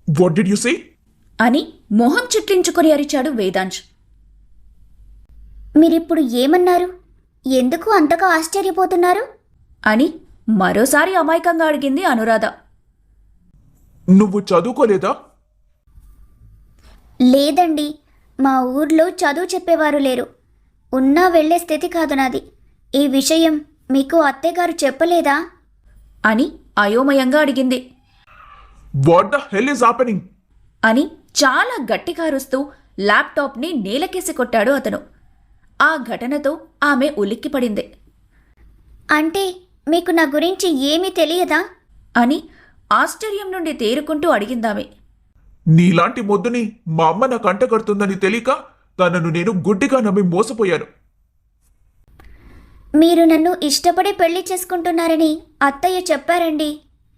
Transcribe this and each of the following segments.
What did you say అని మొహం చిట్లించుకొని అరిచాడు వేదాంశ్. మీరిప్పుడు ఏమన్నారు? ఎందుకు అంతగా ఆశ్చర్యపోతున్నారు? అని మరోసారి అమాయకంగా అడిగింది అనురాధ. నువ్వు చదువుకోలేదా? లేదండి, మా ఊర్లో చదువు చెప్పేవారు లేరు. ఉన్నా వెళ్లే స్థితి కాదు నాది. ఈ విషయం మీకు అత్తయ్యగారు చెప్పలేదా? అని అయోమయంగా అడిగింది. What the hell is happening అని చాలా గట్టిగా అరుస్తూ ల్యాప్టాప్ని నేలకేసి కొట్టాడు అతను. ఆ ఘటనతో ఆమె ఉలిక్కిపడింది. అంటే మీకు నా గురించి ఏమీ తెలియదా? అని ఆశ్చర్యం నుండి తేరుకుంటూ అడిగిందామె. నీలాంటి మొద్దుని మా అమ్మ నా కంట కడుతుందని తెలియక తనను నేను గుడ్డిగా నమ్మి మోసపోయాను. మీరు నన్ను ఇష్టపడి పెళ్లి చేసుకుంటున్నారని అత్తయ్య చెప్పారండి.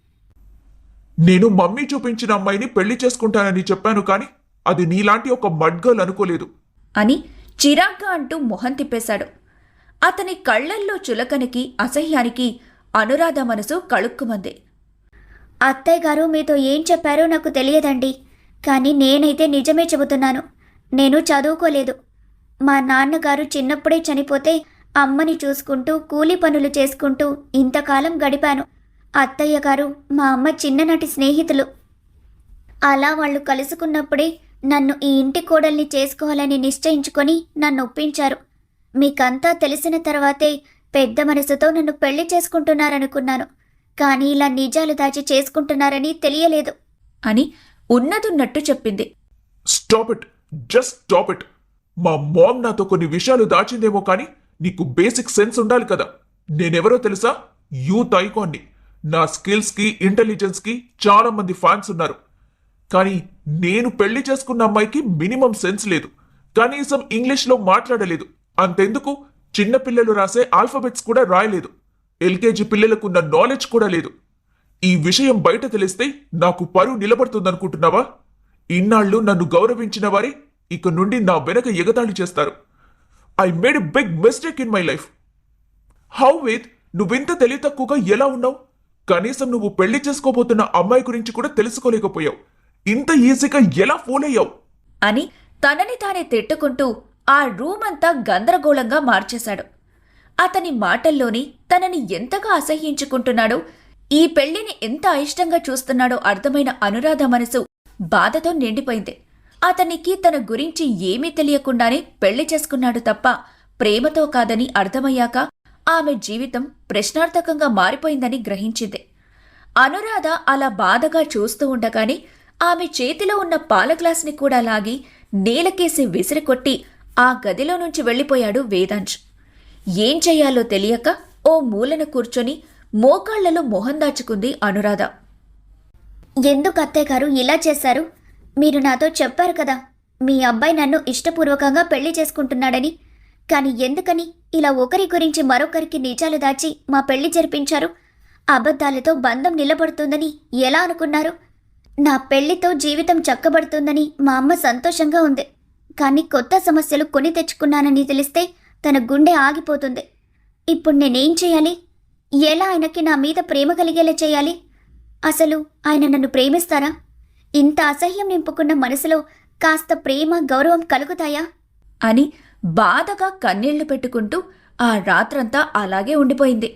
నేను మమ్మీ చూపించిన అమ్మాయిని పెళ్లి చేసుకుంటానని చెప్పాను, కానీ అది నీలాంటి ఒక మడ్గర్ల్ అనుకోలేదు. అని చిరాగ్గా అంటూ మొహం తిప్పేశాడు. అతని కళ్లల్లో చులకనికి అసహ్యానికి అనురాధ మనసు కళుక్కుమంది. అత్తయ్య గారు మీతో ఏం చెప్పారో నాకు తెలియదండి, కానీ నేనైతే నిజమే చెబుతున్నాను. నేను చదువుకోలేదు. మా నాన్నగారు చిన్నప్పుడే చనిపోతే అమ్మని చూసుకుంటూ కూలి పనులు చేసుకుంటూ ఇంతకాలం గడిపాను. అత్తయ్య గారు మా అమ్మ చిన్ననాటి స్నేహితులు. అలా వాళ్ళు కలుసుకున్నప్పుడే నన్ను ఈ ఇంటి కోడల్ని చేసుకోవాలని నిశ్చయించుకొని నన్ను ఒప్పించారు. మీకంతా తెలిసిన తర్వాతే పెద్ద మనసుతో నన్ను పెళ్లి చేసుకుంటున్నారనుకున్నాను, కానీ ఇలా నిజాలు దాచి చేసుకుంటున్నారని తెలియలేదు. అని ఉన్నదున్నట్టు చెప్పింది. Stop it, just stop it. మా మామ్ నాతో కొన్ని విషయాలు దాచిందేమో, కానీ నీకు బేసిక్ సెన్స్ ఉండాలి కదా. నేనెవరో తెలుసా? యూత్ ఐకాన్ని. నా స్కిల్స్కి ఇంటెలిజెన్స్కి చాలా మంది ఫ్యాన్స్ ఉన్నారు. కానీ నేను పెళ్లి చేసుకున్న అమ్మాయికి మినిమం సెన్స్ లేదు. కనీసం ఇంగ్లీష్లో మాట్లాడలేదు. అంతెందుకు, చిన్నపిల్లలు రాసే ఆల్ఫాబెట్స్ కూడా రాయలేదు. ఎల్కేజీ పిల్లలకున్న నాలెడ్జ్ కూడా లేదు. ఈ విషయం బయట తెలిస్తే నాకు పరువు నిలబడుతుందనుకుంటున్నావా? ఇన్నాళ్ళు నన్ను గౌరవించిన వారే ఇక నుండి నా వెనక ఎగతాళి చేస్తారు. I made a big mistake in my life. How Ved, నువ్వింత తెలివి తక్కువగా ఎలా ఉన్నావు? కనీసం నువ్వు పెళ్లి చేసుకోబోతున్న అమ్మాయి గురించి కూడా తెలుసుకోలేకపోయావు. ఇంత ఈజీగా ఎలా ఫోన్ అయ్యావు? అని తనని తానే తిట్టుకుంటూ ఆ రూమ్ అంతా గందరగోళంగా మార్చేశాడు. అతని మాటల్లోని తనని ఎంతగా అసహ్యించుకుంటున్నాడో, ఈ పెళ్లిని ఎంత అయిష్టంగా చూస్తున్నాడో అర్థమైన అనురాధ మనసు బాధతో నిండిపోయింది. అతనికి తన గురించి ఏమీ తెలియకుండానే పెళ్లి చేసుకున్నాడు తప్ప ప్రేమతో కాదని అర్థమయ్యాక ఆమె జీవితం ప్రశ్నార్థకంగా మారిపోయిందని గ్రహించింది. అనురాధ అలా బాధగా చూస్తూ ఉండగానే ఆమె చేతిలో ఉన్న పాల గ్లాస్ని కూడా లాగి నేలకేసి విసిరికొట్టి ఆ గదిలో నుంచి వెళ్లిపోయాడు వేదాంశ్. ఏం చెయ్యాలో తెలియక ఓ మూలన కూర్చొని మోకాళ్లలో మొహం దాచుకుంది అనురాధ. ఎందుకు అత్తయ్య గారు ఇలా చేశారు? మీరు నాతో చెప్పారు కదా మీ అబ్బాయి నన్ను ఇష్టపూర్వకంగా పెళ్లి చేసుకుంటున్నాడని. కానీ ఎందుకని ఇలా ఒకరి గురించి మరొకరికి నిజాలు దాచి మా పెళ్లి జరిపించారు? అబద్ధాలతో బంధం నిలబడుతుందని ఎలా అనుకున్నారు? నా పెళ్లితో జీవితం చక్కబడుతుందని మా అమ్మ సంతోషంగా ఉంది. కానీ కొత్త సమస్యలు కొని తెచ్చుకున్నానని తెలిస్తే తన గుండె ఆగిపోతుంది. ఇప్పుడు నేనేం చేయాలి? ఎలా ఆయనకి నా మీద ప్రేమ కలిగేలా చేయాలి? అసలు ఆయన నన్ను ప్రేమిస్తారా? ఇంత అసహ్యం నింపుకున్న మనసులో కాస్త ప్రేమ గౌరవం కలుగుతాయా? అని బాధగా కన్నీళ్లు పెట్టుకుంటూ ఆ రాత్రంతా అలాగే ఉండిపోయింది.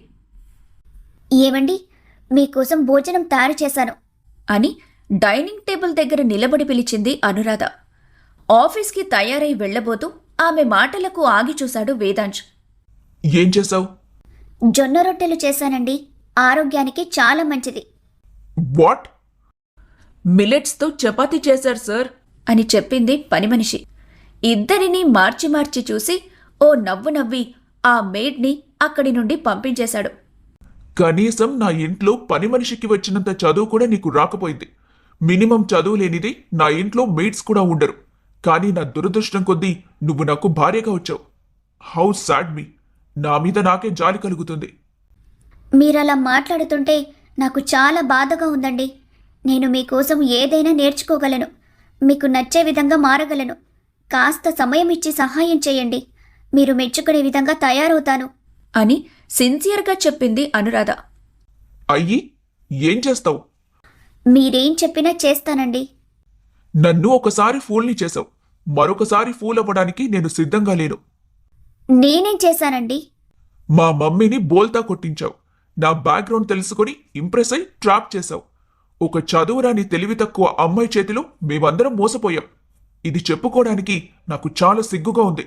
ఏమండి, మీకోసం భోజనం తయారు చేశాను అని డైనింగ్ టేబుల్ దగ్గర నిలబడి పిలిచింది అనురాధ. ఆఫీస్కి తయారై వెళ్లబోతూ ఆమె మాటలకు ఆగి చూశాడు వేదాంశ్. ఏం చేసావు? జొన్న రొట్టెలు చేశానండి. ఆరోగ్యానికి చాలా మంచిది. వాట్? మిల్లెట్స్తో చపాతీ చేశారు సార్ అని చెప్పింది పని మనిషి. ఇద్దరినీ మార్చి మార్చి చూసి ఓ నవ్వు నవ్వి ఆ మేడ్ని అక్కడి నుండి పంపించేశాడు. కనీసం నా ఇంట్లో పని మనిషికి వచ్చినంత చదువు కూడా నీకు రాకపోయింది. మినిమం చదువు లేనిది నా ఇంట్లో మేడ్స్ కూడా ఉండరు. కానీ నా దురదృష్టం కొద్దీ నువ్వు నాకు భార్యగా వచ్చావు. How sad me. నా మీద నాకే జాలి కలుగుతుంది. మీరలా మాట్లాడుతుంటే నాకు చాలా బాధగా ఉందండి. నేను మీకోసం ఏదైనా నేర్చుకోగలను. మీకు నచ్చే విధంగా మారగలను. కాస్త సమయం ఇచ్చి సహాయం చేయండి. మీరు మెచ్చుకునే విధంగా తయారవుతాను అని సిన్సియర్గా చెప్పింది అనురాధ. అయ్యి ఏం చేస్తావు? మీరేం చెప్పినా చేస్తానండి. నన్ను ఒకసారి ఫూల్ని చేశావు, మరొకసారి ఫూల్ అవ్వడానికి నేను సిద్ధంగా లేను. నేనేం చేశానండి? మా మమ్మీని బోల్తా కొట్టించావు. నా బ్యాక్గ్రౌండ్ తెలుసుకొని ఇంప్రెస్ అయి ట్రాప్ చేశావు. ఒక చదువురాని తెలివి తక్కువ అమ్మాయి చేతిలో మేమందరం మోసపోయాం. ఇది చెప్పుకోవడానికి నాకు చాలా సిగ్గుగా ఉంది.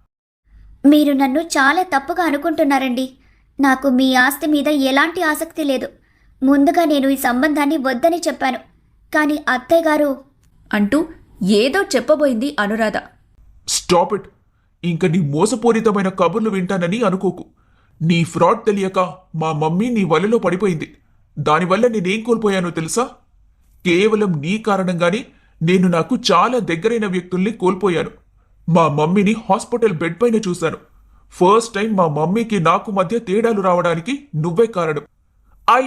మీరు నన్ను చాలా తప్పుగా అనుకుంటున్నారండి. నాకు మీ ఆస్తి మీద ఎలాంటి ఆసక్తి లేదు. ముందుగా నేను ఈ సంబంధాన్ని వద్దని చెప్పాను. కానీ అత్తయ్య గారు అంటూ ఏదో చెప్పబోయింది అనురాధ. Stop it. ఇంక నీ మోసపూరితమైన కబుర్లు వింటానని అనుకోకు. నీ ఫ్రాడ్ తెలియక మా మమ్మీ నీ వలలో పడిపోయింది. దానివల్ల నేనేం కోల్పోయానో తెలుసా? కేవలం నీ కారణంగానే నేను నాకు చాలా దగ్గరైన వ్యక్తుల్ని కోల్పోయాను. మా మమ్మీని హాస్పిటల్ బెడ్ పైన చూశాను. ఫస్ట్ టైం మా మమ్మీకి నాకు మధ్య తేడాలు రావడానికి నువ్వే కారణం. I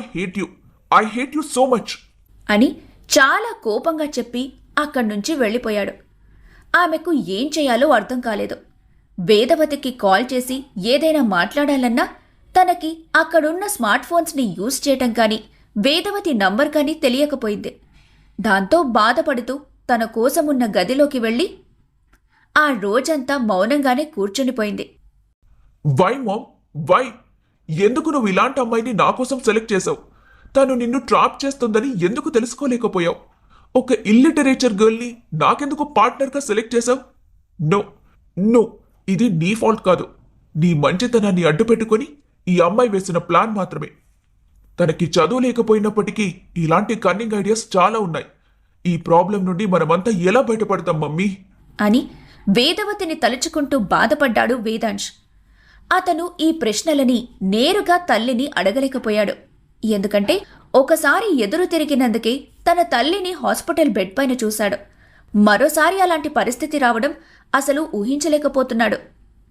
hate you so much అని చాలా కోపంగా చెప్పి అక్కడ్నుంచి వెళ్ళిపోయాడు. ఆమెకు ఏం చేయాలో అర్థం కాలేదు. వేదవతికి కాల్ చేసి ఏదైనా మాట్లాడాలన్నా తనకి అక్కడున్న స్మార్ట్ ఫోన్స్ని యూజ్ చేయటం కానీ వేదవతి నంబర్ కానీ తెలియకపోయింది. దాంతో బాధపడుతూ తన కోసమున్న గదిలోకి వెళ్ళి ఆ రోజంతా మౌనంగానే కూర్చునిపోయింది. Why ma'am, why? ఎందుకు నువ్వు ఇలాంటి అమ్మాయిని నా కోసం సెలెక్ట్ చేశావు? తను నిన్ను ట్రాప్ చేస్తుందని ఎందుకు తెలుసుకోలేకపోయావు? ఒక ఇల్లిటరేచర్ గర్ల్ని నాకెందుకు పార్ట్నర్గా సెలెక్ట్ చేశావు? నో నో, ఇది నీ ఫాల్ట్ కాదు. నీ మంచితనాన్ని అడ్డుపెట్టుకొని ఈ అమ్మాయి వేసిన ప్లాన్ మాత్రమే. తనకి చదువు లేకపోయినప్పటికీ ఇలాంటి కన్నింగ్ ఐడియాస్ చాలా ఉన్నాయి. ఈ ప్రాబ్లం నుండి మనమంతా ఎలా బయటపడతాం మమ్మీ? అని వేదవతిని తలుచుకుంటూ బాధపడ్డాడు వేదాంశ్. అతను ఈ ప్రశ్నలని నేరుగా తల్లిని అడగలేకపోయాడు. ఎందుకంటే ఒకసారి ఎదురు తిరిగినందుకే తన తల్లిని హాస్పిటల్ బెడ్ పైన చూశాడు. మరోసారి అలాంటి పరిస్థితి రావడం అసలు ఊహించలేకపోతున్నాడు.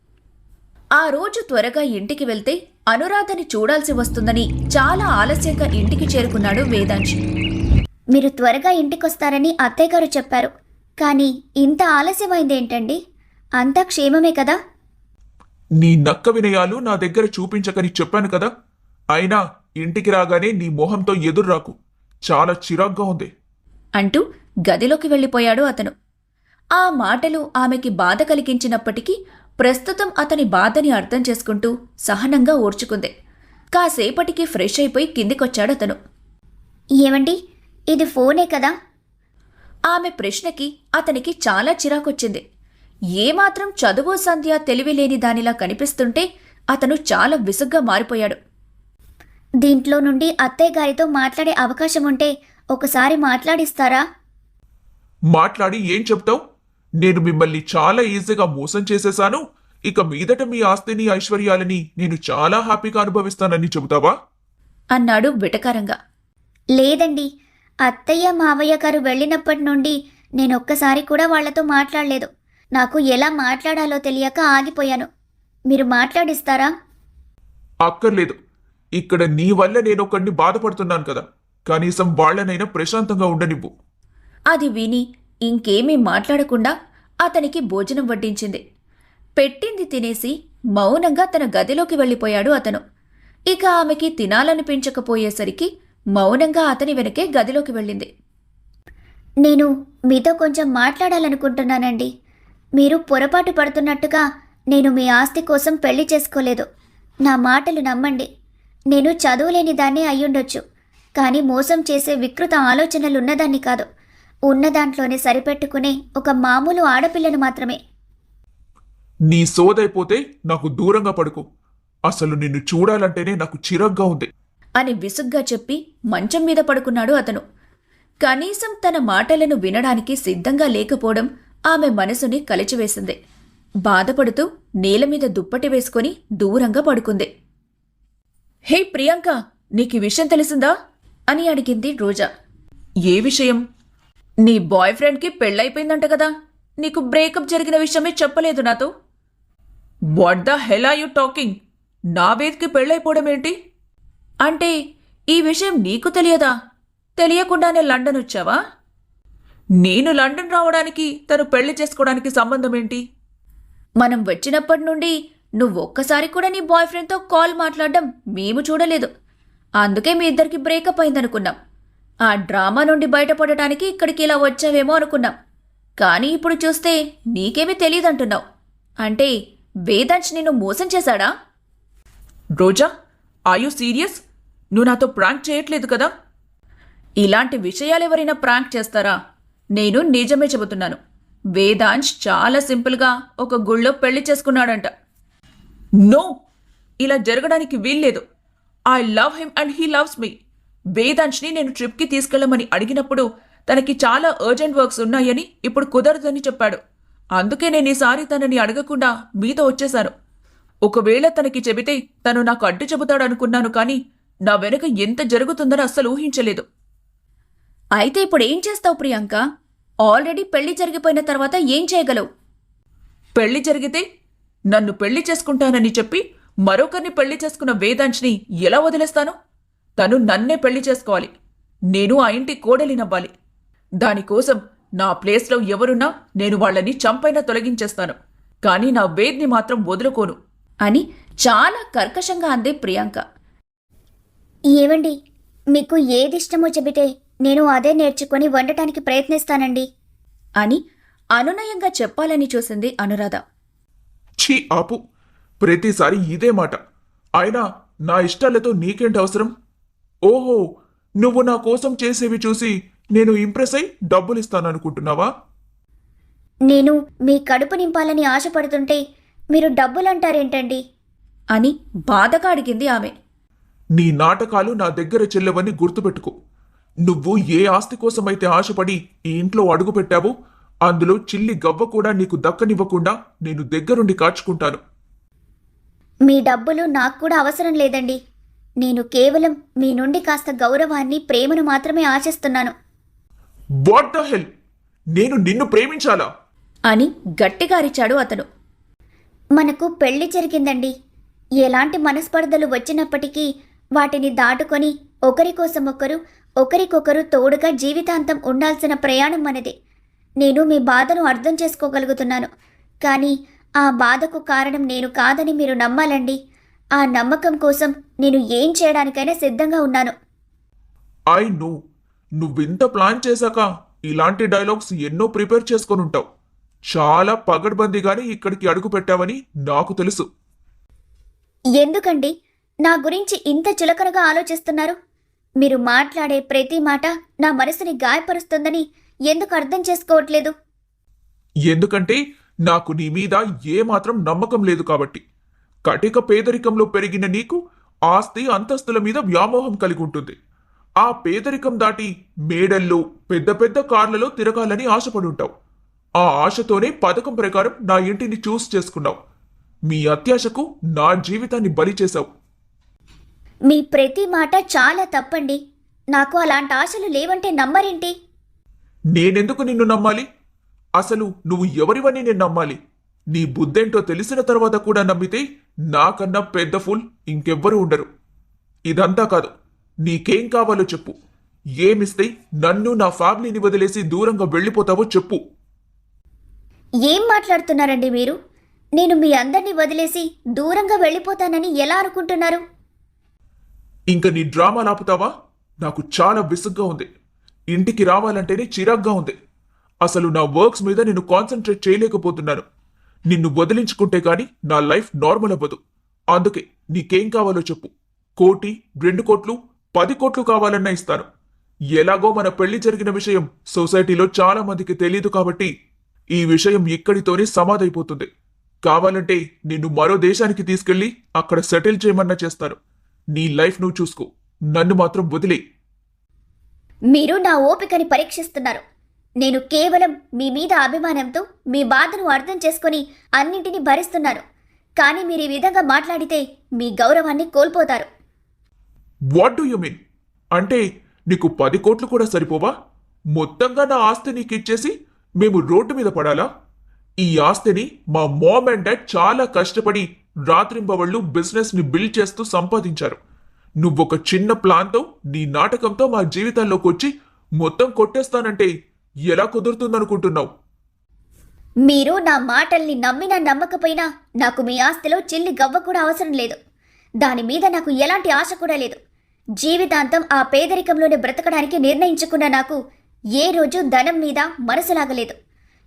ఆ రోజు త్వరగా ఇంటికి వెళ్తే అనురాధని చూడాల్సి వస్తుందని చాలా ఆలస్యంగా ఇంటికి చేరుకున్నాడు వేదాంశ్. మీరు త్వరగా ఇంటికొస్తారని అత్తయ్య గారు చెప్పారు. కానీ ఇంత ఆలస్యమైందేంటండి? అంతా క్షేమమే కదా? నీ నక్క వినయాలు నా దగ్గర చూపించకని చెప్పాను కదా. అయినా ఇంటికి రాగానే నీ మొహంతో ఎదుర్రాకు. చాలా చిరాగ్గా ఉంది అంటూ గదిలోకి వెళ్ళిపోయాడు అతను. ఆ మాటలు ఆమెకి బాధ కలిగించినప్పటికీ ప్రస్తుతం అతని బాధని అర్థం చేసుకుంటూ సహనంగా ఓర్చుకుంది. కాసేపటికి ఫ్రెష్ అయిపోయి కిందికొచ్చాడతను. ఏమండి, ఇది ఫోనే కదా? ఆమె ప్రశ్నకి అతనికి చాలా చిరాకొచ్చింది. ఏమాత్రం చదువు సంధ్య తెలివిలేని దానిలా కనిపిస్తుంటే అతను చాలా విసుగ్గా మారిపోయాడు. దీంట్లో నుండి అత్తయ్య గారితో మాట్లాడే అవకాశం ఉంటే ఒకసారి మాట్లాడిస్తారా? మాట్లాడి ఏం చెప్తావు? నేను మిమ్మల్ని చాలా ఈజీగా మోసం చేసేశాను. ఇక మీదట మీ ఆస్తిని ఐశ్వర్యాలని నేను చాలా హ్యాపీగా అనుభవిస్తానని చెబుతావా? అన్నాడు వెటకారంగా. లేదండి, అత్తయ్య మావయ్య గారు వెళ్ళినప్పటి నుండి నేనొక్కసారి కూడా వాళ్లతో మాట్లాడలేదు. నాకు ఎలా మాట్లాడాలో తెలియక ఆగిపోయాను. మీరు మాట్లాడిస్తారా? అక్కర్లేదు. ఇక్కడ నీ వల్ల నేనొక్కడిని బాధపడుతున్నాను కదా. కనీసం వాళ్లనైనా ప్రశాంతంగా ఉండనివ్వు. అది విని ఇంకేమీ మాట్లాడకుండా అతనికి భోజనం వడ్డించింది. పెట్టింది తినేసి మౌనంగా తన గదిలోకి వెళ్ళిపోయాడు అతను. ఇక ఆమెకి తినాలనిపించకపోయేసరికి మౌనంగా అతని వెనకే గదిలోకి వెళ్ళింది. నేను మీతో కొంచెం మాట్లాడాలనుకుంటున్నానండి. మీరు పొరపాటు పడుతున్నట్టుగా నేను మీ ఆస్తి కోసం పెళ్లి చేసుకోలేదు. నా మాటలు నమ్మండి. నేను చదువులేని దాన్నే అయ్యుండొచ్చు, కానీ మోసం చేసే వికృత ఆలోచనలున్నదాన్ని కాదు. ఉన్న దాంట్లోనే సరిపెట్టుకునే ఒక మామూలు ఆడపిల్లను మాత్రమే. నీ సోదైపోతే నాకు దూరంగా పడుకో. అసలు నిన్ను చూడాలంటేనే నాకు చిరాగ్గా ఉంది అని విసుగ్గా చెప్పి మంచం మీద పడుకున్నాడు అతను. కనీసం తన మాటలను వినడానికి సిద్ధంగా లేకపోవడం ఆమె మనసుని కలిచివేసింది. బాధపడుతూ నేలమీద దుప్పటి వేసుకొని దూరంగా పడుకుంది. హే ప్రియాంక, నీకీ విషయం తెలిసిందా? అని అడిగింది రోజా. ఏ విషయం? నీ బాయ్ ఫ్రెండ్కి పెళ్ళైపోయిందంట కదా. నీకు బ్రేకప్ జరిగిన విషయమే చెప్పలేదు నాతో. What the hell are you talking? నా వేదికి పెళ్ళైపోవడం ఏంటి? అంటే ఈ విషయం నీకు తెలియదా? తెలియకుండానే లండన్ వచ్చావా? నేను లండన్ రావడానికి తను పెళ్లి చేసుకోవడానికి సంబంధం ఏంటి? మనం వచ్చినప్పటి నుండి నువ్వొక్కసారి కూడా నీ బాయ్ ఫ్రెండ్తో కాల్ మాట్లాడడం మేము చూడలేదు. అందుకే మీ ఇద్దరికి బ్రేకప్ అయిందనుకున్నాం. ఆ డ్రామా నుండి బయటపడటానికి ఇక్కడికి ఇలా వచ్చావేమో అనుకున్నాం. కానీ ఇప్పుడు చూస్తే నీకేమీ తెలియదంటున్నావు. అంటే వేదాంశ్ నిన్ను మోసం చేశాడా? Roja, are you serious? నువ్వు నాతో ప్రాంక్ చేయట్లేదు కదా? ఇలాంటి విషయాలెవరైనా ప్రాంక్ చేస్తారా? నేను నిజమే చెబుతున్నాను. వేదాంశ్ చాలా సింపుల్గా ఒక గుళ్ళో పెళ్లి చేసుకున్నాడంట. నో, ఇలా జరగడానికి వీల్లేదు. I love him and he loves me. వేదాంశ్ని నేను ట్రిప్కి తీసుకెళ్లమని అడిగినప్పుడు తనకి చాలా అర్జెంట్ వర్క్స్ ఉన్నాయని ఇప్పుడు కుదరదని చెప్పాడు. అందుకే నేను ఈసారి తనని అడగకుండా మీతో వచ్చేశాను. ఒకవేళ తనకి చెబితే తను నాకు అడ్డు చెబుతాడనుకున్నాను, కానీ నా వెనుక ఎంత జరుగుతుందని అస్సలు ఊహించలేదు. అయితే ఇప్పుడు ఏం చేస్తావు ప్రియాంక? ఆల్రెడీ పెళ్లి జరిగిపోయిన తర్వాత ఏం చేయగలవు? పెళ్లి జరిగితే నన్ను పెళ్లి చేసుకుంటానని చెప్పి మరొకరిని పెళ్లి చేసుకున్న వేదాంశ్ని ఎలా వదిలేస్తాను? తను నన్నే పెళ్లి చేసుకోవాలి. నేను ఆ ఇంటి కోడలినవ్వాలి. దానికోసం నా ప్లేస్లో ఎవరున్నా నేను వాళ్ళని చంపైనా తొలగించేస్తాను. కానీ నా వేద్ని మాత్రం వదులుకోను అని చాలా కర్కశంగా అంది ప్రియాంక. ఏవండి, మీకు ఏదిష్టమో చెబితే నేను అదే నేర్చుకొని వండటానికి ప్రయత్నిస్తానండి అని అనునయంగా చెప్పాలని చూసింది అనురాధ. ఛీ ఆపు, ప్రతిసారి ఇదే మాట. అయినా నా ఇష్టాలతో నీకేంటి అవసరం? ఓహో, నువ్వు నా కోసం చేసేవి చూసి నేను ఇంప్రెస్ అయి డబ్బులిస్తాననుకుంటున్నావా? నేను మీ కడుపు నింపాలని ఆశపడుతుంటే మీరు డబ్బులంటారేంటండి అని బాధగా అడిగింది ఆమె. నీ నాటకాలు నా దగ్గర చెల్లవని గుర్తుపెట్టుకో. నువ్వు ఏ ఆస్తి కోసమైతే ఆశపడి ఈ ఇంట్లో అడుగు పెట్టావో అందులో చిల్లి గవ్వ కూడా నీకు దక్కనివ్వకుండా నేను దగ్గరుండి కాచుకుంటాను. మీ డబ్బులు నాకు కూడా అవసరం లేదండి. నేను కేవలం మీ నుండి కాస్త గౌరవాన్ని, ప్రేమను మాత్రమే ఆశిస్తున్నాను. What the hell? నేను నిన్ను ప్రేమించాలా? అని గట్టిగా అరిచాడు అతను. మనకు పెళ్లి జరిగిందండి. ఎలాంటి మనస్పర్ధలు వచ్చినప్పటికీ వాటిని దాటుకొని ఒకరి కోసం ఒకరికొకరు తోడుగా జీవితాంతం ఉండాల్సిన ప్రయాణం మనది. నేను మీ బాధను అర్థం చేసుకోగలుగుతున్నాను, కానీ ఆ బాధకు కారణం నేను కాదని మీరు నమ్మాలండి. ఆ నమ్మకం కోసం నేను ఏం చేయడానికైనా సిద్ధంగా ఉన్నాను. ఐ నో, నువ్వింత ప్లాన్ చేశాక ఇలాంటి డైలాగ్స్ ఎన్నో ప్రిపేర్ చేసుకొని ఉంటావు. చాలా పగడ్బందీగానే ఇక్కడికి అడుగు పెట్టావని నాకు తెలుసు. ఎందుకండి నా గురించి ఇంత చులకనగా ఆలోచిస్తున్నారు? మీరు మాట్లాడే ప్రతి మాట నా మనసుని గాయపరుస్తుందని ఎందుకు అర్థం చేసుకోవట్లేదు? ఎందుకంటే నాకు నీ మీద ఏమాత్రం నమ్మకం లేదు కాబట్టి. కటిక పేదరికంలో పెరిగిన నీకు ఆస్తి అంతస్తుల మీద వ్యామోహం కలిగి ఉంటుంది. ఆ పేదరికం దాటి మేడల్లో పెద్ద పెద్ద కార్లలో తిరగాలని ఆశపడుంటావు. ఆ ఆశతోనే పథకం ప్రకారం నా ఇంటిని చూస్ చేసుకున్నావు. మీ అత్యాశకు నా జీవితాన్ని బలి చేశావు. మీ ప్రతి మాట చాలా తప్పండి. నాకు అలాంటి ఆశలు లేవంటే నమ్మరేంటి? నేనెందుకు నిన్ను నమ్మాలి? అసలు నువ్వు ఎవరివని నేను నమ్మాలి? నీ బుద్ధేంటో తెలిసిన తర్వాత కూడా నమ్మితే నాకన్నా పెద్ద ఫుల్ ఇంకెవ్వరూ ఉండరు. ఇదంతా కాదు, నీకేం కావాలో చెప్పు. ఏమిస్తే నన్ను, నా ఫ్యామిలీని వదిలేసి దూరంగా వెళ్ళిపోతావో చెప్పు. ఏం మాట్లాడుతున్నారండి మీరు? నేను మీ అందరినీ వదిలేసి దూరంగా వెళ్ళిపోతానని ఎలా అనుకుంటున్నారు? ఇంక నీ డ్రామా ఆపుతావా? నాకు చాలా విసుగ్గా ఉంది. ఇంటికి రావాలంటేనే చిరాగ్గా ఉంది. అసలు నా వర్క్స్ మీద నేను కాన్సన్ట్రేట్ చేయలేకపోతున్నాను. నిన్ను వదిలించుకుంటే గాని నా లైఫ్ నార్మల్ అవ్వదు. అందుకే నీకేం కావాలో చెప్పు. 1 కోటి, 2 కోట్లు, 10 కోట్లు కావాలన్నా ఇస్తాను. ఎలాగో మన పెళ్లి జరిగిన విషయం సొసైటీలో చాలా మందికి తెలియదు కాబట్టి ఈ విషయం ఇక్కడితోనే సమాధైపోతుంది. కావాలంటే నిన్ను మరో దేశానికి తీసుకెళ్లి అక్కడ సెటిల్ చేయమన్నా చేస్తాను. నీ లైఫ్ నువ్వు చూసుకో. నన్ను మాత్రం వదిలే. మీరు నా ఓపికని పరీక్షిస్తున్నారు. నేను కేవలం మీ మీద అభిమానంతో మీ బాధను అర్థం చేసుకుని అన్నింటినీ భరిస్తున్నాను. కానీ మీరు ఈ విధంగా మాట్లాడితే మీ గౌరవాన్ని కోల్పోతారు. What do you mean? అంటే నీకు 10 కోట్లు కూడా సరిపోవా? మొత్తంగా నా ఆస్తి నీకు ఇచ్చేసి మేము రోడ్డు మీద పడాలా? ఈ ఆస్తిని మా మామ్ అండ్ డాడ్ చాలా కష్టపడి రాత్రింబవళ్ళు బిజినెస్ ని బిల్డ్ చేస్తూ సంపాదించారు. నువ్వొక చిన్న ప్లాన్తో, నీ నాటకంతో మా జీవితాల్లోకి వచ్చి మొత్తం కొట్టేస్తానంటే ఎలా కుదురుతుందనుకుంటున్నావు? మీరు నా మాటల్ని నమ్మినా నమ్మకపోయినా నాకు మీ ఆస్తిలో చిల్లి గవ్వ కూడా అవసరం లేదు. దాని మీద నాకు ఎలాంటి ఆశ కూడా లేదు. జీవితాంతం ఆ పేదరికంలోనే బ్రతకడానికి నిర్ణయించుకున్న నాకు ఏ రోజు ధనం మీద మనసు లాగలేదు.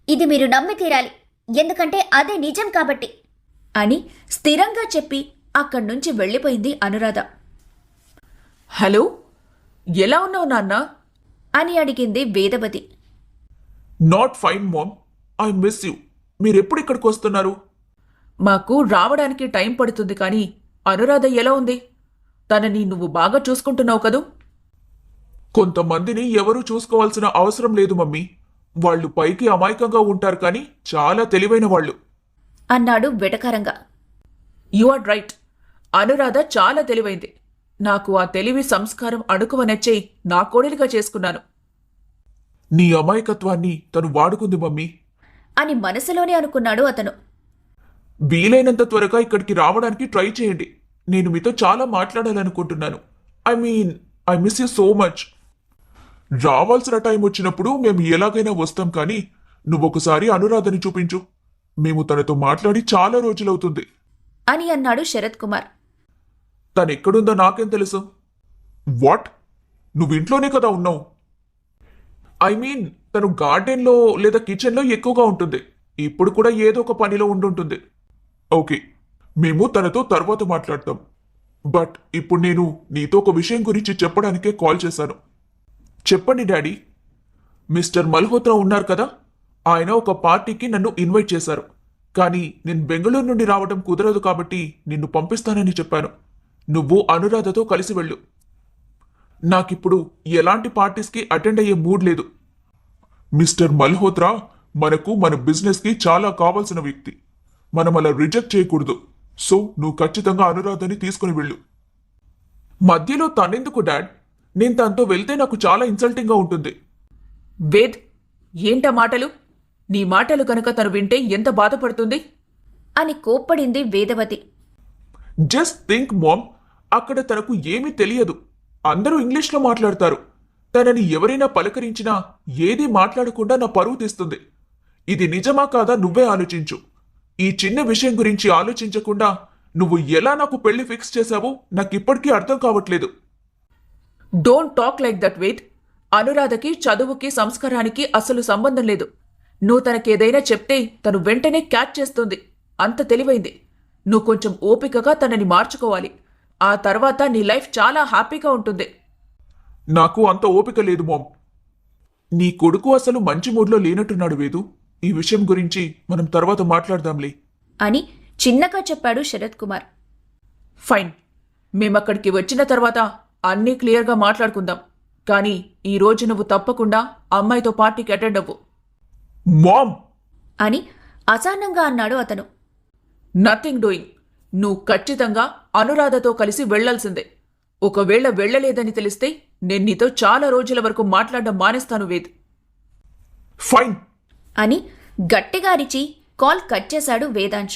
ఇది మీరు నమ్మి తీరాలి, ఎందుకంటే అదే నిజం కాబట్టి అని స్థిరంగా చెప్పి అక్కడ్నుంచి వెళ్ళిపోయింది అనురాధ. హలో, ఎలా ఉన్నావు నాన్న అని అడిగింది Vedavathi. Not fine mom, I miss you. మీరెప్పుడు ఇక్కడికి వస్తున్నారు? మాకు రావడానికి టైం పడుతుంది, కానీ అనురాధ ఎలా ఉంది? తనని నువ్వు బాగా చూసుకుంటున్నావు కదూ? కొంతమందిని ఎవరూ చూసుకోవాల్సిన అవసరం లేదు మమ్మీ. వాళ్ళు పైకి అమాయకంగా ఉంటారు కానీ చాలా తెలివైన వాళ్ళు. అన్నాడు వెటకారంగా. యు ఆర్ రైట్, అనురాధ చాలా తెలివైంది. నాకు ఆ తెలివి సంస్కారం అణుకువ నచ్చే నా కోడలిగా చేసుకున్నాను నీ అమాయకత్వాన్ని తను వాడుకుంది మమ్మీ అని మనసులోనే అనుకున్నాడు అతను. వీలైనంత త్వరగా ఇక్కడికి రావడానికి ట్రై చేయండి. నేను మీతో చాలా మాట్లాడాలనుకుంటున్నాను. I miss you so much. రావాల్సిన టైం వచ్చినప్పుడు మేము ఎలాగైనా వస్తాం, కానీ నువ్వొకసారి అనురాధని చూపించు. మేము తనతో మాట్లాడి చాలా రోజులవుతుంది అని అన్నాడు శరత్ కుమార్. తనెక్కడుందో నాకేం తెలుసు? వాట్? నువ్వింట్లోనే కదా ఉన్నావు? తను గార్డెన్లో లేదా కిచెన్లో ఎక్కువగా ఉంటుంది. ఇప్పుడు కూడా ఏదో ఒక పనిలో ఉండుంటుంది. ఓకే, మేము తనతో తర్వాత మాట్లాడతాం. బట్ ఇప్పుడు నేను నీతో ఒక విషయం గురించి చెప్పడానికే కాల్ చేశాను. చెప్పండి డాడీ. మిస్టర్ మల్హోత్రా ఉన్నారు కదా, ఆయన ఒక పార్టీకి నన్ను ఇన్వైట్ చేశారు. కానీ నేను బెంగళూరు నుండి రావడం కుదరదు కాబట్టి నిన్ను పంపిస్తానని చెప్పాను. నువ్వు అనురాధతో కలిసి వెళ్ళు. నాకిప్పుడు ఎలాంటి పార్టీస్కి అటెండ్ అయ్యే మూడ్ లేదు. మిస్టర్ మల్హోత్రా మనకు మన బిజినెస్కి చాలా కావాల్సిన వ్యక్తి. మనం అలా రిజెక్ట్ చేయకూడదు. సో నువ్వు ఖచ్చితంగా అనురాధని తీసుకుని వెళ్ళు. మధ్యలో తనెందుకు డాడ్? నేను తనతో వెళ్తే నాకు చాలా ఇన్సల్టింగ్గా ఉంటుంది. వేద్, ఏంటా మాటలు? నీ మాటలు కనుక తను వింటే ఎంత బాధపడుతుంది అని కోప్పడింది వేదవతి. జస్ట్ థింక్ మామ్, అక్కడ తనకు ఏమీ తెలియదు. అందరూ ఇంగ్లీష్లో మాట్లాడతారు. తనని ఎవరైనా పలకరించినా ఏదీ మాట్లాడకుండా నా పరువు తీస్తుంది. ఇది నిజమా కాదా నువ్వే ఆలోచించు. ఈ చిన్న విషయం గురించి ఆలోచించకుండా నువ్వు ఎలా నాకు పెళ్లి ఫిక్స్ చేశావో నాకిప్పటికీ అర్థం కావట్లేదు. Don't talk like that Ved. అనురాధకి చదువుకి సంస్కారానికి అసలు సంబంధం లేదు. నువ్వు తనకేదైనా చెప్తే తను వెంటనే క్యాచ్ చేస్తుంది. అంత తెలివైంది. నువ్వు కొంచెం ఓపికగా తనని మార్చుకోవాలి. ఆ తర్వాత నీ లైఫ్ చాలా హ్యాపీగా ఉంటుంది. నాకు అంత ఓపిక లేదు మామ్. నీ కొడుకు అసలు మంచి మూడ్లో లేనట్టున్నాడు వేదు. ఈ విషయం గురించి మనం తర్వాత మాట్లాడదాంలే అని చిన్నగా చెప్పాడు శరత్ కుమార్. ఫైన్, మేమక్కడికి వచ్చిన తర్వాత అన్నీ క్లియర్గా మాట్లాడుకుందాం. కానీ ఈ రోజు నువ్వు తప్పకుండా అమ్మాయితో పార్టీకి అటెండ్ అవ్వు మామ్ అని అసహనంగా అన్నాడు అతను. Nothing doing. నువ్వు ఖచ్చితంగా అనురాధతో కలిసి వెళ్లాల్సిందే. ఒకవేళ వెళ్లలేదని తెలిస్తే నేను నీతో చాలా రోజుల వరకు మాట్లాడడం మానేస్తాను వేద్ ఫైన్ అని గట్టిగా అరిచి కాల్ కట్ చేశాడు వేదాంశ్.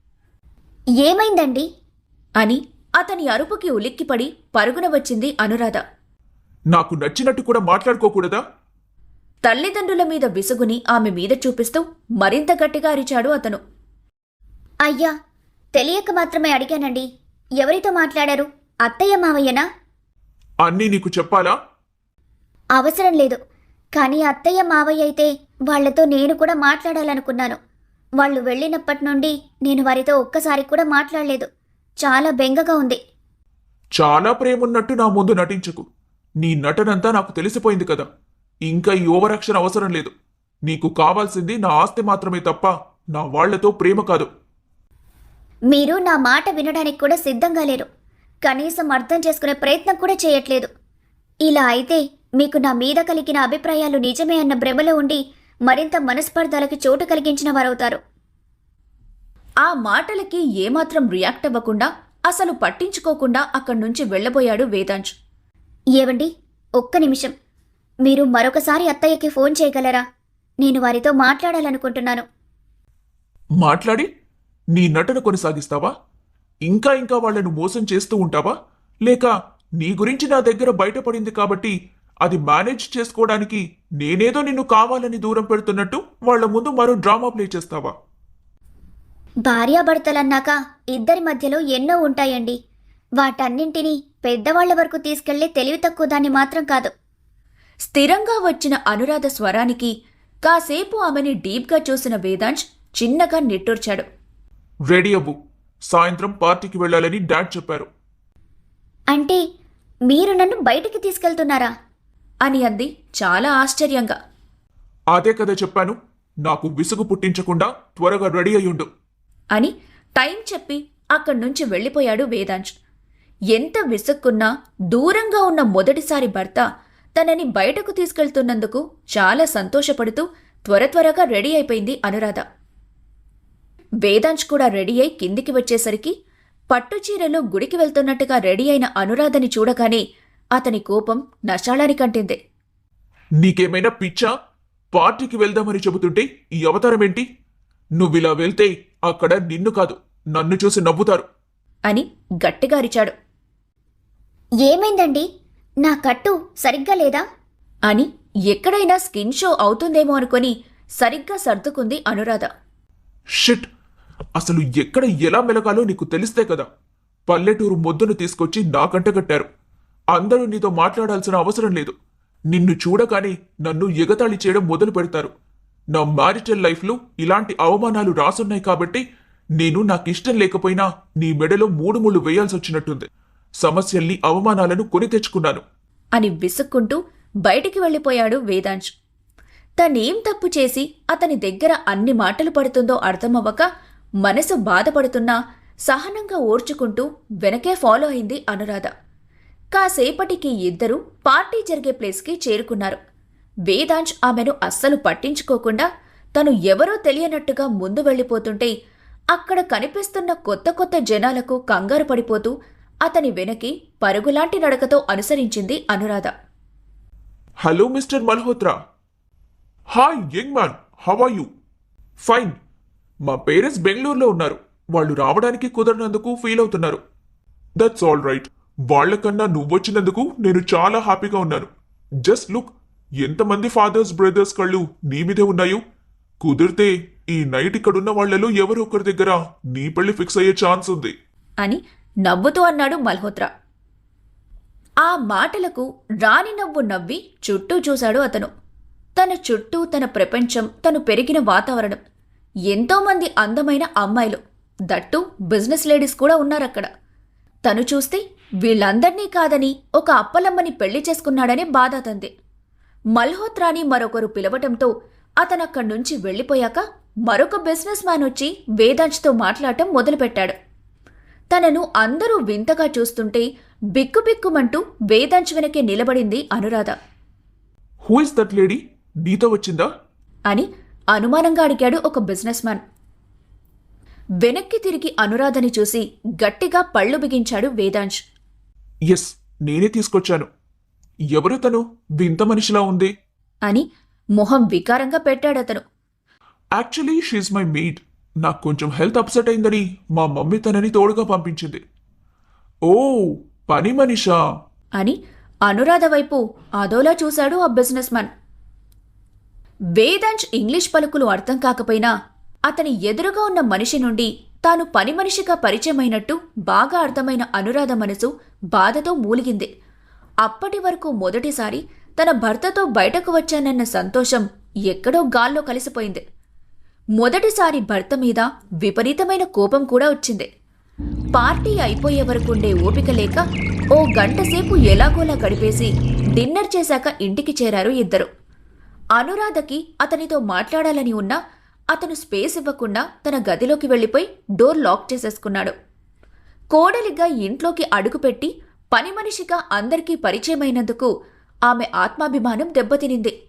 ఏమైందండి అని అతని అరుపుకి ఉలిక్కిపడి పరుగున వచ్చింది అనురాధ. నాకు నచ్చినట్టు కూడా మాట్లాడుకోకూడదా? తల్లిదండ్రుల మీద విసుగుని ఆమె మీద చూపిస్తూ మరింత గట్టిగా అరిచాడు అతను. అయ్యా, తెలియక మాత్రమే అడిగానండి. ఎవరితో మాట్లాడారు? అత్తయ్య మావయ్యనా? అన్నీ నీకు చెప్పాలా? అవసరం లేదు. కానీ అత్తయ్య మావయ్య అయితే వాళ్లతో నేను కూడా మాట్లాడాలనుకున్నాను. వాళ్ళు వెళ్ళినప్పటి నుండి నేను వారితో ఒక్కసారి కూడా మాట్లాడలేదు. చాలా బెంగగా ఉంది. చాలా ప్రేమున్నట్టు నా ముందు నటించకు. నీ నటనంతా నాకు తెలిసిపోయింది కదా. ఇంకా ఈ ఓవర్ యాక్షన్ అవసరం లేదు. నీకు కావాల్సింది నా ఆస్తి మాత్రమే తప్ప నా వాళ్లతో ప్రేమ కాదు. మీరు నా మాట వినడానికి కూడా సిద్ధంగా లేరు. కనీసం అర్థం చేసుకునే ప్రయత్నం కూడా చేయట్లేదు. ఇలా అయితే మీకు నా మీద కలిగిన అభిప్రాయాలు నిజమే అన్న భ్రమలో ఉండి మరింత మనస్పర్ధలకు చోటు కలిగించిన వారవుతారు. ఆ మాటలకి ఏమాత్రం రియాక్ట్ అవ్వకుండా, అసలు పట్టించుకోకుండా అక్కడ్నుంచి వెళ్లబోయాడు వేదాంశ్. ఏవండి, ఒక్క నిమిషం. మీరు మరొకసారి అత్తయ్యకి ఫోన్ చేయగలరా? నేను వారితో మాట్లాడాలనుకుంటున్నాను. మాట్లాడి నీ నటన కొనసాగిస్తావా? ఇంకా ఇంకా వాళ్లను మోసం చేస్తూ ఉంటావా? లేక నీ గురించి నా దగ్గర బయటపడింది కాబట్టి అది మేనేజ్ చేసుకోవడానికి నేనేదో నిన్ను కావాలని దూరం పెడుతున్నట్టు వాళ్ల ముందు మరో డ్రామా ప్లే చేస్తావా? భార్యాభర్తలన్నాక ఇద్దరి మధ్యలో ఎన్నో ఉంటాయండి. వాటన్నింటినీ పెద్దవాళ్ల వరకు తీసుకెళ్లే తెలివి తక్కువ దాన్ని మాత్రం కాదు. స్థిరంగా వచ్చిన అనురాధ స్వరానికి కాసేపు ఆమెని డీప్గా చూసిన వేదాంశ్ చిన్నగా నిట్టూర్చాడు. రెడీ అవ్వు, సాయంత్రం పార్టీకి వెళ్ళాలని డాడ్ చెప్పారు. అంటే మీరు నన్ను బయటికి తీసుకెళ్తున్నారా? అని అంది చాలా ఆశ్చర్యంగా. అదే కదా చెప్పాను, నాకు విసుగు పుట్టించకుండా త్వరగా రెడీ అయ్యుండు అని టైం చెప్పి అక్కడ్నుంచి వెళ్ళిపోయాడు వేదాంశ్. ఎంత విసుక్కున్నా దూరంగా ఉన్న మొదటిసారి భర్త తనని బయటకు తీసుకెళ్తున్నందుకు చాలా సంతోషపడుతూ త్వరగా రెడీ అయిపోయింది అనురాధ. వేదాంశ్ కూడా రెడీ అయి కిందికి వచ్చేసరికి పట్టుచీరలో గుడికి వెళ్తున్నట్టుగా రెడీ అయిన అనురాధని చూడగానే అతని కోపం నశాళానికంటింది. నీకేమైనా పిచ్చా? పార్టీకి వెళ్దామని చెబుతుంటే ఈ అవతారమేంటి? నువ్విలా వెళ్తే అక్కడ నిన్ను కాదు నన్ను చూసి నవ్వుతారు అని గట్టిగా అరిచాడు. ఏమైందండి? నా కట్టు సరిగ్గా లేదా? అని ఎక్కడైనా స్కిన్ షో అవుతుందేమో అనుకొని సరిగ్గా సర్దుకుంది అనురాధ. షిట్, అసలు ఎక్కడ ఎలా మెలగాలో నీకు తెలిస్తే కదా. పల్లెటూరు మొద్దును తీసుకొచ్చి నాకంటగట్టారు. అందరూ నీతో మాట్లాడాల్సిన అవసరం లేదు. నిన్ను చూడగానే నన్ను ఎగతాళి చేయడం మొదలు పెడతారు. నా మ్యారిటల్ లైఫ్లో ఇలాంటి అవమానాలు రాసున్నాయి కాబట్టి నేను నాకిష్టం లేకపోయినా నీ మెడలో 3 ముళ్ళు వేయాల్సొచ్చినట్టుంది. సమస్యల్ని అవమానాలను కొని తెచ్చుకున్నాను అని విసుక్కుంటూ బయటికి వెళ్ళిపోయాడు వేదాంశ్. తనేం తప్పు చేసి అతని దగ్గర అన్ని మాటలు పడుతుందో అర్థమవ్వక మనసు బాధపడుతున్నా సహనంగా ఓర్చుకుంటూ వెనకే ఫాలో అయింది అనురాధ. కాసేపటికి ఇద్దరూ పార్టీ జరిగే ప్లేస్కి చేరుకున్నారు. వేదాంశ్ ఆమెను అస్సలు పట్టించుకోకుండా తను ఎవరో తెలియనట్టుగా ముందు వెళ్ళిపోతుంటే అక్కడ కనిపిస్తున్న కొత్త జనాలకు కంగారు పడిపోతూ అతని వెనకి పరుగులాంటి నడకతో అనుసరించింది Anuradha. Hello mister Malhotra. Hi young man, how are you? Fine. మా పేరెంట్స్ బెంగళూరులో ఉన్నారు. వాళ్ళు రావడానికి కుదరనందుకు ఫీల్ అవుతున్నారు. That's all right. వాళ్లకన్నా నువ్వొచ్చినందుకు నేను చాలా హ్యాపీగా ఉన్నాను. జస్ట్ లుక్, ఎంతమంది ఫాదర్స్ బ్రదర్స్ కళ్ళు నీ మీదే ఉన్నాయో. కుదిరితే ఈ నైట్ ఇక్కడున్న వాళ్లలో ఎవరో ఒకరి దగ్గర నీ పెళ్లి ఫిక్స్ అయ్యే ఛాన్స్ ఉంది అని నవ్వుతూ అన్నాడు మల్హోత్రా. ఆ మాటలకు రాని నవ్వు నవ్వి చుట్టూ చూశాడు అతను. తన చుట్టూ తన ప్రపంచం, తను పెరిగిన వాతావరణం, ఎంతోమంది అందమైన అమ్మాయిలు, దట్టు బిజినెస్ లేడీస్ కూడా ఉన్నారక్కడ. తను చూస్తే వీళ్ళందర్నీ కాదని ఒక అప్పలమ్మని పెళ్లి చేసుకున్నాడనే బాధ అతంది. మల్హోత్రాని మరొకరు పిలవటంతో అతనక్కడ్నుంచి వెళ్ళిపోయాక మరొక బిజినెస్ మ్యాన్ వచ్చి వేదాంశ్తో మాట్లాడటం మొదలుపెట్టాడు. తనను అందరూ వింతగా చూస్తుంటే బిక్కుబిక్కుమంటూ వేదాంశ్ వెనకే నిలబడింది Anuradha. Who is that lady? నీతో వచ్చిందా అని అనుమానంగా అడిగాడు ఒక బిజినెస్ మ్యాన్. వెనక్కి తిరిగి అనురాధని చూసి గట్టిగా పళ్ళు బిగించాడు వేదాంశ్. ఎస్, నేనే తీసుకొచ్చాను. ఎవరు తను? వింత మనిషిలా ఉంది అని మొహం వికారంగా పెట్టాడతను. Actually she my maid. నాకు కొంచెం హెల్త్ అప్సెట్ అయిందని మా మమ్మీ తనని తోడుగా పంపించింది. ఓ, పని మనిషా అని అనురాధ వైపు అదోలా చూశాడు ఆ బిజినెస్ మ్యాన్. వేదాంశ్ ఇంగ్లీష్ పలుకులు అర్థం కాకపోయినా అతని ఎదురుగా ఉన్న మనిషి నుండి తాను పని మనిషిగా పరిచయమైనట్టు బాగా అర్థమైన అనురాధ మనసు బాధతో మూలిగింది. అప్పటి వరకు మొదటిసారి తన భర్తతో బయటకు వచ్చానన్న సంతోషం ఎక్కడో గాల్లో కలిసిపోయింది. మొదటిసారి భర్త మీద విపరీతమైన కోపం కూడా వచ్చింది. పార్టీ అయిపోయే వరకుండే ఓపిక లేక ఓ గంటసేపు ఎలాగోలా గడిపేసి డిన్నర్ చేశాక ఇంటికి చేరారు ఇద్దరు. అనురాధకి అతనితో మాట్లాడాలని ఉన్నా అతను స్పేస్ ఇవ్వకుండా తన గదిలోకి వెళ్ళిపోయి డోర్ లాక్ చేసేసుకున్నాడు. కోడలిగా ఇంట్లోకి అడుగుపెట్టి పని మనిషిగా అందరికీ పరిచయమైనందుకు ఆమె ఆత్మాభిమానం దెబ్బతినింది.